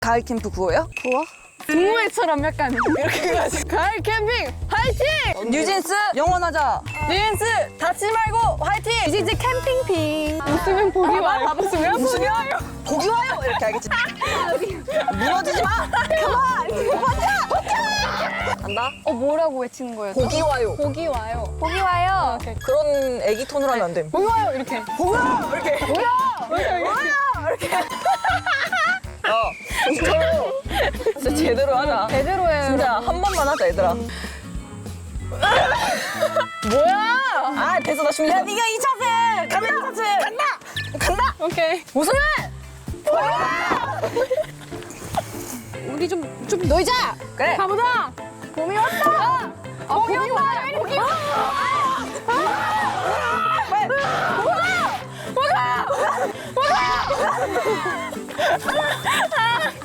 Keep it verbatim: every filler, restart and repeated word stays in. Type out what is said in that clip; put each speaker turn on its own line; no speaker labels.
가을 캠프 구호요?
구워? 동호회처럼 약간 이렇게 해가지고 가을 캠핑 화이팅!
뉴진스 영원하자. 뉴진스 닫지 말고 화이팅.
뉴진스 캠핑핑 웃으면 복이 와요. 웃으면 복이 와요.
고기 와요 이렇게 알겠지? 무너지지 마. 그만. 버텨 버텨. 간다.
어 뭐라고 외치는 거예요?
고기 와요.
복이 와요. 복이 와요. 오케이.
그런 애기 톤으로 하면 안 돼.
복이 와요 이렇게.
뭐야 이렇게.
뭐야? 이렇게.
이렇게. 어. 진짜로. 진짜 제대로 하자.
제대로 해요.
진짜 한 번만 하자 얘들아.
뭐야?
아 됐어 나 준비. 야 네가 이 차세. 카메라 차세. 간다. 간다.
오케이.
우승해.
우리 좀 좀 놀자.
그래.
가보자. 봄이 왔다. 아, 봄이 왔다. 봄이 왔다.
빨리.
뭐가? 뭐가? 뭐가?